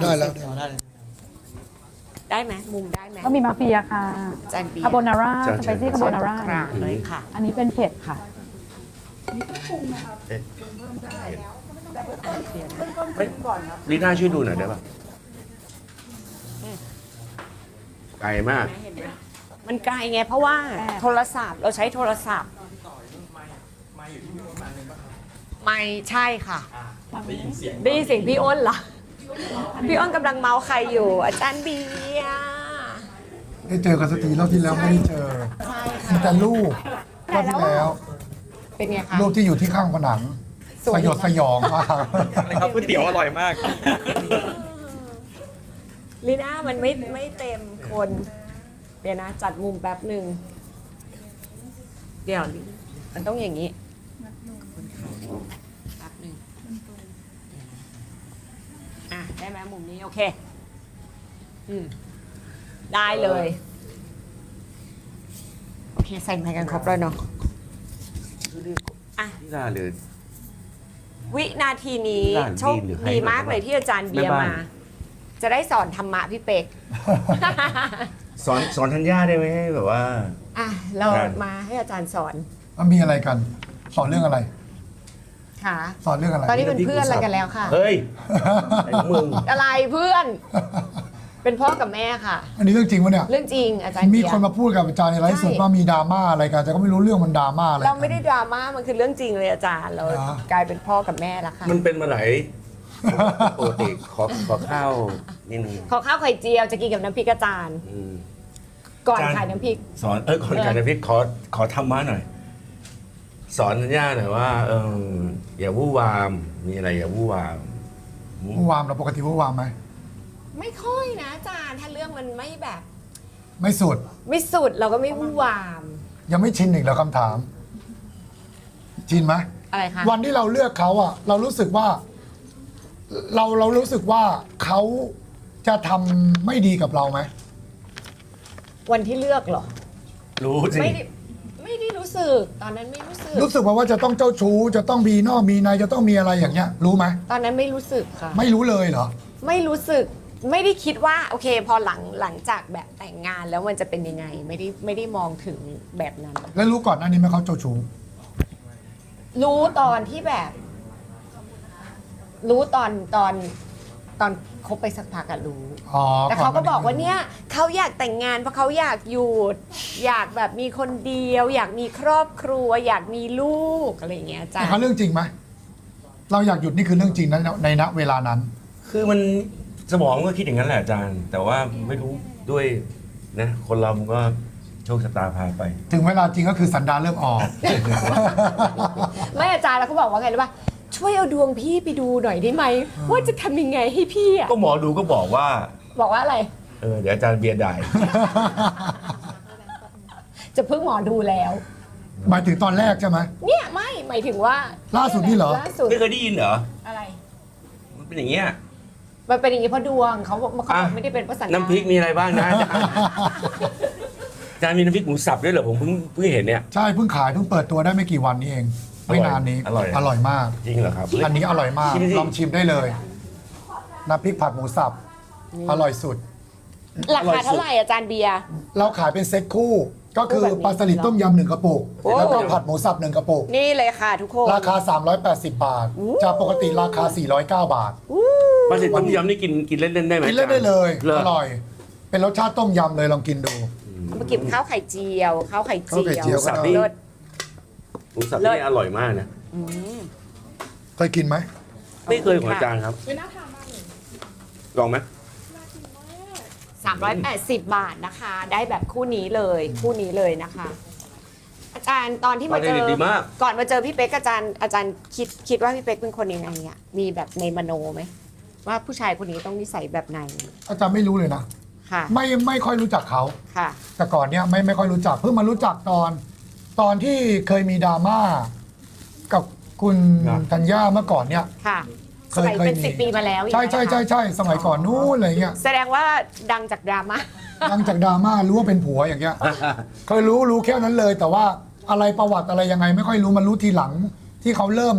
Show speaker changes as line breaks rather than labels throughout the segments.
ได้แล้ว
ได้ไหมมุมได้ไหม
ก็มีมาเฟียค่ะ
จานเบีย
คาโบ
ร์
นาร่าสไปซี่คาโบนาร่าก
ลางเลยค่ะ
อันนี้เป็นเผ็ดค่ะ
ลีน่าช่วยดูหน่อยได้ป่ะไกลมาก
เห็นไหมมันไกลไงเพราะว่าโทรศัพท์เราใช้โทรศัพท์ไม่ใช่ค่ะได้ยินเสียงพี่อ้นเหรอพี่อ้นกำลังเมาใครอยู่ อาจารย์เบียร์
ได้เจอกันสักทีรอบที่แล้วไม่ได้เจอ
ใช่
มี
ค่ะ
แต่รูปรอบที่แล้ว
เป็นไงคะ
รูปที่อยู่ที่ข้างผนัง
สวย
สยดสยองมาก
ครับก๋วยเตี๋ยวอร่อยมาก
ลีน่ามันไม่เต็มคน เดี๋ยวนะ จัดมุมแป๊บหนึ่งเดี๋ยวมันต้องอย่างนี้แป๊บหนึ่งอ่ะได้ไหมมุมนี้ โอเคได้เลย โอเค ใส่ไมค์กันครบแล้วเนาะอ่ะ
ลีน่าเลย
วินาทีนี้
หลาน
โชค
ดีหรือใคร
ดีมากเลยที่อาจารย์เบียร์
แม่บ้าม
าน จะได้สอนธรรมะพี่เป็ก
สอนธัญญาได้ไหมให้แบบว่า
อ่ะ เรา
ครับ
มาให้อาจารย์สอน
มันมีอะไรกัน สอนเรื่องอะไร
ค่ะ
สอนเรื่องอะไร
ตอนนี้เป็นเพื่อนอะไรกันแล้วค่ะ
เฮ้ยไอ้มึง
อะไรเพื่อน เป็นพ่อกับแม่ค่ะ
อันนี้เรื่องจริงปะเนี่ย
เรื่องจริงอาจารย์
มี
เบีย
คน
ร์
มาพูดกับอาจารย์ในไลฟ์สดว่ามีดราม่าอะไรกันแต่ก็ไม่รู้เรื่องมันดราม่าอะไร
เราไม่ได้ดราม่ามันคือเรื่องจริงเลยอาจารย์ เรา
เหรอ
กลายเป็นพ่อกับแม่แล้วค่ะ
มันเป็นมาไหนปกติขอข้าวนิดนึง
ขอข้าวไข่เจียวจะกินกับน้ำพริกอาจารย์
อืม
ก่อน
อาจารย์
ขายน้ำพริก
สอนก่อนการน้ำพริกขอธรรมะหน่อย สอนธัญญาหน่อยว่าอย่าวู่วามมีอะไรอย่าวู่วาม
วู่วามเราปกติวู่วามไหม
ไม่ค่อยนะอาจารย์ ถ้าเรื่องมันไม่แบบ
ไม่สุด
ไม่สุดเราก็ไม่วุ่นวาม
ยังไม่ชินอีกแล้วคำถาม ชินไหม
อะไรคะ
วันที่เราเลือกเขาอะเรารู้สึกว่า เรารู้สึกว่าเขาจะทำไม่ดีกับเราไหม
วันที่เลือกเหรอ
รู้สิ
ไม่ได้รู้สึก ตอนนั้นไม่รู้สึก
รู้สึกว่าจะต้องเจ้าชู้จะต้องมีนอกมีในจะต้องมีอะไรอย่างเงี้ย รู้ไหม
ตอนนั้นไม่รู้สึกค่ะ
ไม่รู้เลยเหรอ
ไม่รู้สึก ไม่ได้คิดว่า โอเค พอหลังจากแบบแต่งงานแล้วมันจะเป็นยังไง ไม่ได้มองถึงแบบนั้น
แล้วรู้ก่อนหน้านี้ไหมเขาเจ้าชู้
รู้ตอนที่แบบ รู้ตอนคบไปสักพักอะรู้
อ๋อ
แต่เขาก็
นหน้
บอกว่าเนี่ยเขาอยากแต่งงานเพราะเขาอยากหยุด อยากแบบมีคนเดียว อยากมีครอบครัว อยากมีลูกอะไรอย่างเงี้ยจ้ะ
แต่เขาเรื่องจริงไหมเราอยากหยุดนี่คือเรื่องจริงนะในณเวลานั้น
คือมันสมองก็คิดอย่างนั้นแหละอาจารย์ แต่ว่าไม่รู้ด้วยนะคนเรามันก็โชคชะตาพาไป
ถึงเวลาจริงก็คือสันดานเริ่มออก
ไม่อาจารย์แล้วเขาบอกว่าไงรู้ป่ะช่วยเอาดวงพี่ไปดูหน่อยได้ไหมว่าจะทำยังไงให้พี่อะ
ก็หมอดูก็บอกว่า
บอกว่าอะไร
เดี๋ยวอาจารย์เบียร์ได้
จะพึ่งหมอดูแล้ว
หมายถึงตอนแรกใช่ไหม
เนี่ยไม่หมายถึงว่า
ล่าสุดนี่เหรอ
ล่าสุด
ไม่เคยได้ยินเหรอ
อะไร
มันเป็นอย่างเงี้ย
มันเป็นอย่างนี้เพราะดวงเขาบอกเขา
อ่ะ
ไม่ได้เป็นเพราะสัญญา
น้ำพริกมีอะไรบ้างนะอาจารย์มีน้ำพริกหมูสับด้วยเหรอผมเพิ่งเห็นเนี่ย
ใช่เพิ่งขายเพิ่งเปิดตัวได้ไม่กี่วันนี้เอง ไม่นานนี้
อร่อย
อร่อยมาก
จริงเหรอครับ
อันนี้อร่อยมาก
ชิมสิ
ลองชิมได้เลยน้ำพริกผัดหมูสับอร่อยสุด
ราคาเท่าไหร่อาจารย์เบียร์
เราขายเป็นเซ็ตคู่ ก็คือ
แบบนี้
ปลาสลิดต้มยำหนึ่งกระปุก
โอ้
แล้วก็ผัดหมูสับหนึ่งกระปุก
นี่เลยค่ะทุกคน
ราคา 380 บาท จากปกติราคา 409 บาท
ปลาสลิดต้มยำนี่กินเล่นๆได้ไหม
กินเล่นได้เลย
หร
อร่อย เป็นรสชาติต้มยำเลยลองกินดู
เอามากินข้าวไข่เจียวข้าวไข่เจี
ข้าวไข่เจียว
สับนี่
เลิศ
หมูสับ
เลิศ
นี่อร่อยมากนะ
เคยกินไหม
ไม่เคยของอาจารย์ครับลองไหม
380 บาทนะคะ ได้แบบคู่นี้เลยคู่นี้เลยนะคะ อาจารย์ตอนที่มาเจอ
ดีมาก
ก่อนมาเจอพี่เป๊กอาจารย์คิดว่าพี่เป๊กเป็นคนยังไงอ่ะมีแบบในมโนไหมว่าผู้ชายคนนี้ต้องนิสัยแบบไหน
อาจารย์ไม่รู้เลยนะ
ค่ะ
ไม่ค่อยรู้จักเขา
ค่ะ
แต่ก่อนเนี้ยไม่ค่อยรู้จักเพิ่งมารู้จักตอนที่เคยมีดราม่ากับคุณ
ครับ
ธัญญาเมื่อก่อนเนี้ย
ค่ะ
เค
ส
ย
มัยเป็น
มี
10 ปีมาแล้ว
ใช่
อย่างเงี้ย
ใช่
ค่ะ
สมัยก่อนนู้นอะไรเงี้ย
แสดงว่าดังจากดราม่า
หลังจากดราม่ารู้ว่าเป็นผัวอย่างเงี้ยเคยรู้แค่นั้นเลย แต่ว่าอะไรประวัติอะไรยังไงไม่ค่อยรู้มารู้ทีหลังที่เขาเริ่มแบบ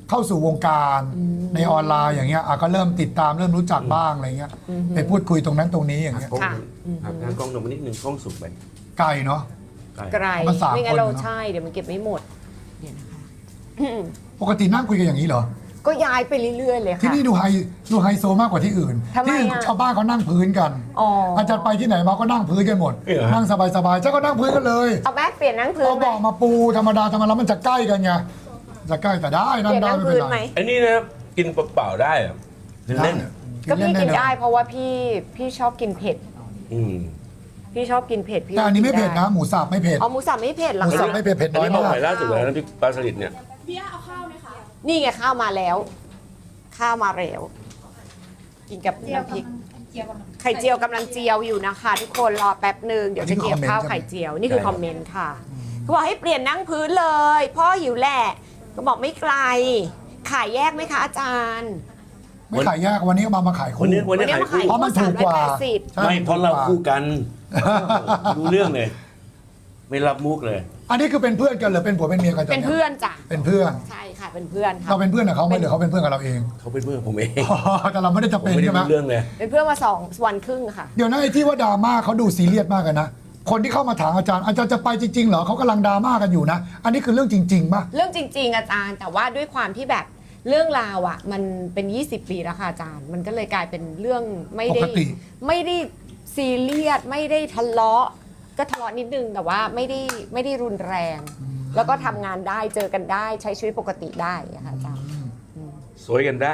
เข้าสู่วงการในออนไลน์อย่างเงี้ยก็เริ่มติดตามเริ่มรู้จักบ้างอะไรเงี้ยไปพูดคุยตรงนั้นตรงนี้อย่างเงี้ย
กล้อง
ค่ะ
หักหน้ากล้องลงมานิดนึงกล้องสุกไป
ไกลเนาะ
ไกล
มันสาม
ไม่งั้นเรา
คนเนอะ
ใช่เดี๋ยวมันเก็บไม่หมดเดี๋ยวนะคะ
ปกตินั่งคุยกันอย่างนี้เหรอ
ก็ย้ายไปเรื่อยๆเลย
ที่
ค่ะ
นี่ดูไฮโซมากกว่าที่อื่น
ทำไม
ที่อื่น
อะ
ชาวบ้านเขานั่งพื้นกัน
อ๋อ
อาจารย์ไปที่ไหนมาก็นั่งพื้นกันหมด
เหรอ
นั่งสบายๆเจ้าก็นั่งพื้นกันเลย
เอาแม่เปลี่ยนนั่งพื้น
เอา
ไหม
เบอกมาปูธรรมดาแล้วมันจะใกล้กันไงจะใกล้แต่ได้
เป
นั่ง
ลี่ยน
ได้
นั่ง
ไม่เป็
พื้
น
นไหม
ไร
อันนี้นะกินเปล่าๆได้เหรอเล่น
ก็พี่กินได้
เล่
เพราะว่าพี่ชอบกินเผ็ด
ๆอืม
พี่ชอบกินเผ็ดพี่
แต่อันนี้ไม่เผ็ดนะ หมูสับไม่เผ็ด
อ๋อหมูสับไม่เผ็ดเหรอ
หมูสับ
คะ
ไม่เผ็ดเผ็ดน้อย
อันนี้
มาก
ใหม่ล่าสุดเลยนะพี่ปลาสลิดเนี่ย
นี่ไงข้าวมาแล้ว ข้าวมาแล้วกินกับน้ำพริกไข่เจียวกำลังเจียวอยู่นะคะทุกคนรอแป๊บหนึ่งเดี๋ยวจะเกี่ยวข้าวไข่เจียวนี่คือคอมเมนต์ค่ะเขาบอกให้เปลี่ยนนั่งพื้นเลย พ่อหิวแหละก็บอกไม่ไกล ขายแยกไหมคะอาจารย์
ไม่ขายยากวันนี้ก็มาขายคู่
วันนี้
มา
ขายคู่
เพราะมันถูกกว่า
380
ใช่
ไม่เพราะเราคู่
ถูกกว่
กันรู้เรื่องเลย ไม่รับมุกเลย
อันนี้คือเป็นเพื่อนกันหรือเป็นผัวเป็นเมียกัน
เป็นเพื่อนจ้ะ
เป็นเพื่อน
ใช่ค่ะเป็นเพื่อนค่ะ
เราเป็นเพื่อนกับเขาไหมหรือเขาเป็นเพื่อนกับเราเอง
เขาเป็นเพื่อนผมเอง
แต่เราไม่ได้จะ
ผม
เป็น
ไม่ได้
ใช่ไหม
รู้เรื่องเลย
เป็นเพื่อนมา2 วันครึ่งค่ะ
เดี๋ยวนะไอ้ที่ว่าดราม่าเขาดูซีเรียสมากกันนะคนที่เข้ามาถามอาจารย์จะไปจริงๆเหรอเขากำลังดราม่ากันอยู่นะอันนี้คือเรื่องจริงๆป่ะ
เรื่องจริง ๆ อาจารย์ แต่ว่าด้วยความที่แบบเรื่องราวอ่ะ มันเป็น 20 ปีแล้วค่ะอาจารย์ มันก็เลยกลายเป็นเรื่องไม่ได้
ปกติ
ไม่ได้ซีเรียสไม่ได้ทะเลาะก็ทะเลาะนิดนึงแต่ว่าไม่ได้รุนแรง แล้วก็ทำงานได้เจอกันได้ใช้ชีวิตปกติได้อะค่ะอาจารย์
สวยกันได้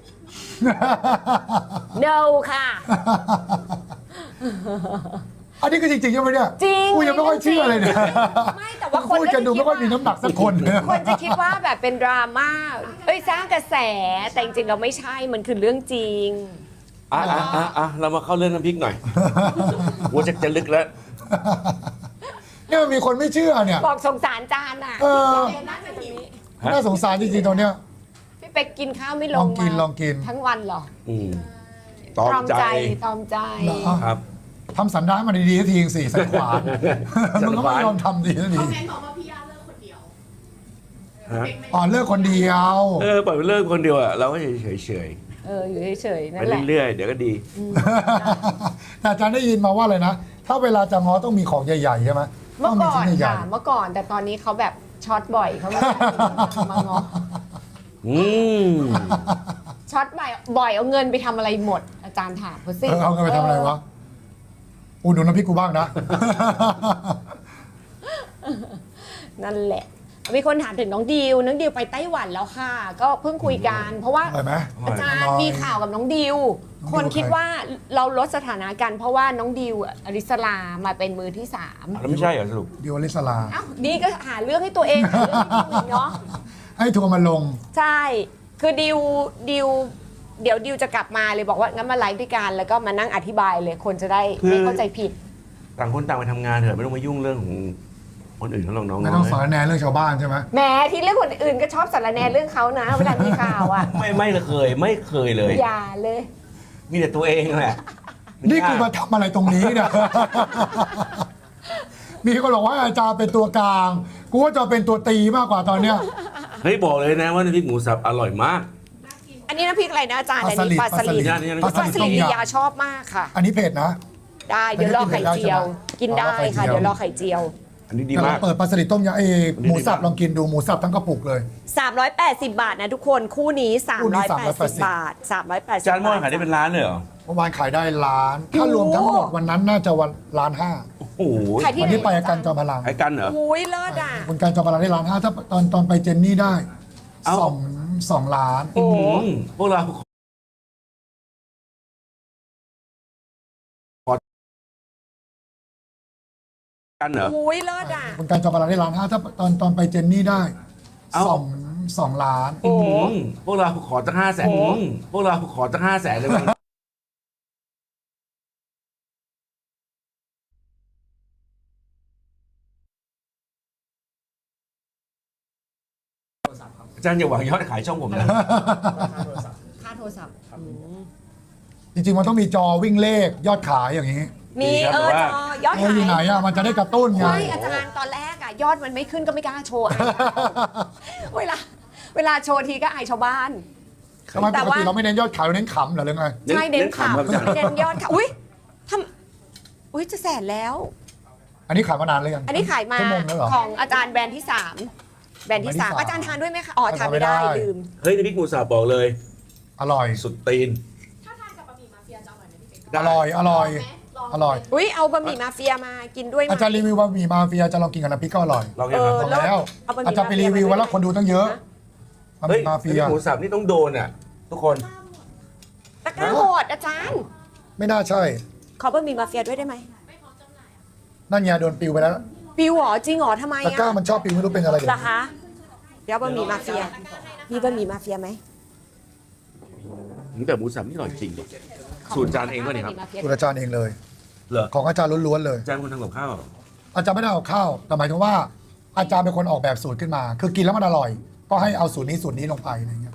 no ค่ะ
อันนี้คือจริงๆใช่ไหมเนี่ย
จริง
กูยังไม่ค่อยเชื่อเลยเนี่ย
ไม่แต่ว่าคน
พูดกันดูไม่ค่อยมีน้ำหนักสักคน
คนจะคิดว่าแบบเป็นดราม่าเอ้ยสร้างกระแสแต่จริงๆเราไม่ใช่มันคือเรื่องจริง
เรามาเข้าเรื่องน้ำพริกหน่อยวัวจะลึกแล้ว
เนี่ยมีคนไม่เชื่อเนี่ย
บอกสงสารจานอ่ะ
เออ
นั่งอยู่ตรงนี้
น่าสงสารจริงๆตอนเนี้ย
พี่เป็กกินข้าวไม่ล
ลอง งกิน
มา
ลองกิน
ทั้งวันเหรอ
อืมตอมใจ
ตอมใจ
เหรอ
ครับ
ทำสันดานมาดีๆทีสิสันขวาน มึงก็ไม่ยอมทำดีสักที
คอมเมนต์บอกว่าพี่ย่าเลิกคนเดียว
ฮะ
อ๋อเลิกคนเดียว
ปล่อยไปเลิกคนเดียวอะเราก็เฉย
อยู่เฉยๆ
ๆ
นั่
ไป
นแหละ
เรื่อยๆเดี๋ยวก็ดี
แต่อาจารย์ได้ยินมาว่าอะไรนะ ถ้าเวลาจะง้อต้องมีของใหญ่ๆใช่ไหม
เมื่อก่อน
ต้งมีชิ้ใหญ่
ค่ะเมื่อก่อนแต่ตอนนี้เขาแบบช็อตบ่อยเขาไม่มางอ
อืม
ช็อตบ่อยเอาเงินไปทำอะไรหมด อาจารย์ถามเขาสิ
เอาเงินไปทำอะไรวะอุดหนุนน้ำพริกกูบ้างนะ
นั่นแหละ มีคนถามถึงน้องดิวไปไต้หวันแล้วค่ะ ก็เพิ่งคุยกัน เพราะว่า
อร่อยไหม
อาจาร
อ
ย์
ร่อย
มีข่าวกับน้องดิว
น้องดิว
คนคิด
ใคร
ว่าเราลดสถานะกันเพราะว่าน้องดิวอริสลามาเป็นมือที่สาม
แล้วไม่ใช่เหรอสรุป
ดิวอลิสลา
เอ้านี่ก็หาเรื่องให้ตัวเองหาเรื่องให้ดิวอีกเนาะ
ให้ทัวร์มาลง
ใช่ คือดิวเดี๋ยวดิวจะกลับมาเลยบอกว่างั้นมาไลฟ์ด้วยกันแล้วก็มานั่งอธิบายเลยคนจะได้ไม่เข้าใจผิด
ต่างคนต่างไปทำงานเถอะไม่ต้องมายุ่งเรื่องของคนอื่นเขาหรอกน้อง
ไม่ต้องสอนแนเรื่องชาวบ้านใช่ไหม
แหมที่เรื่องคนอื่นก็ชอบสารแหนเรื่องเขานะ เวลามีข่าวอ่ะ
ไม่เคยเลย
อย่าเลย
มีแต่ตัวเองแหละ
นี่กูมาทำอะไรตรงนี้เนี่ย มีคนบอกว่าอาจารย์เป็นตัวกลาง กูว่าจะเป็นตัวตีมากกว่าตอนเนี้ย
เฮ้ยบอกเลยนะว่าน้ำพริกหมูสับอร่อยมาก
อันนี้น้ำพริกอะไรนะอาจารย์อันนี้ปลาสลิด
นี่
ปลาส
ปลา
ลิด
ส
ต้
ลิ
ม
ด
ยำ
ยาชอบมากค่ะ
อันนี้เผ็ดนะ
ได้เดี๋ยวรอไข่เจียว กินได้ค่ะ
เดี๋
เดี๋
ย
ยว ว
ร
ร
อ
อ
ไข่
ไข่
เจี
เจี
ย
ยว ว
อันนี้ดี
แต่
มา
เรา
ก
เปิดปลาสลิดต้มยำหมูสับลองกินดูหมูสับทั้งกระปุกเลย
380 บาทนะทุกคนคู่นี้
คู่นี้
380 บาท 380
จานหม้อขายได้เป็นล้านเลยเหรอ
เมื่อวานขายได้ล้าน ถ้ารวมทั้งหมดวันนั้นน่าจะวันล้านห้า
โอ้โห
ขายที่
วัน
ไหน
นี้ไปกับกันจอมพลัง
ขายกันเหรอ
อุ้ยเลิศอ่ะ
คุณการจอมพลังได้ล้านห้าถ้าตอนไปเจนนี่ได้
เอ้า
สองล้าน
โอ้โห
พวกเราขอกันเหรอ
อุ้ยเลิศอ่ะ
คุณการจอมพลังได้ล้านห้าถ้าตอนไปเจนนี่ได้
เอ้า
สองล้าน
โอ้โห
พวกเราขอตั้ง500,000พวกเราขอตั้ง500,000เลยมั้งอาจารย์อย่าหวังยอดขายช่องผมนะ
ค่าโทรศัพท์
จริงๆ มันต้องมีจอวิ่งเลขยอดขายอย่างนี้
มี
ครับ
จ
แต่ว่า
อยอด
เออ
ขาย
อยู่ไหนอ่ะมันจะได้กระตุ้นไง
ใช่อาจารย์ตอนแรกอ่ะยอดมันไม่ขึ้นก็ไม่กล้าโชว์ เวลาเวลาโชว์ทีก็อายชาวบ้าน
ทำไม
แต่
ปก
ว่า
ติเราไม่เน้นยอดขายเราเน้นขำเหรอหรือไง
ใช่เน้นข่าว
ครับอาจารย์
เน้นยอดค่ะอุ้ยทำอุ้ยจะแสนแล้ว
อันนี้ขายมานานเลยยัง
อันนี้ขายมา
ชั่วโมงแล้วเหรอ
ของอาจารย์แบรนด์ที่ 3 แบรนด์ที่
แบรนด์ที่
3
3
อาจารย์ทานด้วยไหมคะอ๋อทานไม่ได้
ทานไม่ได้
ลืม
เฮ้ยในพริกหมูสับบอกเลย
อร่อย
สุดตีน
ถ้าทานกับบะหมี่มาเฟียจะอร่อยไหมพี่เป๊ก
อร่อยอร่อย
ไหมลอง
อร่อย
อุ้ยเอาบะหมี่มาเฟียมากินด้วยไหม
อาจารย์รีวิวบะหมี่มาเฟียจะลองกินกับน้ำพริกก็อร่อย
ลองยังครับ
ลองแล้ว
เอาบะหมี่
อาจารย์ไปรีวิวไว้แล้วคนดูตั้งเยอะบะห
เฮ้ย
มี่มาเฟีย
พริกหมูสับนี่ต้องโดนอ่ะ ทุกคน
ตะกร้าโหดอาจารย์
ไม่น่าใช่
ขอบะหมี่มาเฟียด้วยได้ไหม
นั่นไงโดนปิวไปแล้ว
ปิวเหรอจริงเหรอทำไม
ตะกร้า
อะ
มันชอบปิวไม่รู้เป็นอะไร
เหรอคะเดี๋ยวบะหมี่มาเฟียมีบะหมี่มาเฟียไหม
แต่หมูสับนี่อร่อยจริงดิสูตรจานเองป่ะเนี่ยครับ
คุณอาจารย์เองเลย
เหรอ
ของอาจารย์ล้วนๆเลย
จานคนทำกับข้าวเหรอ
อาจารย์ไม่ได้เอาข้าวแต่หมายถึงว่าอาจารย์เป็นคนออกแบบสูตรขึ้นมา คือกินแล้วมันอร่อย ก็ให้เอาสูตรนี้ลงไปอะไรอย่างเงี้ย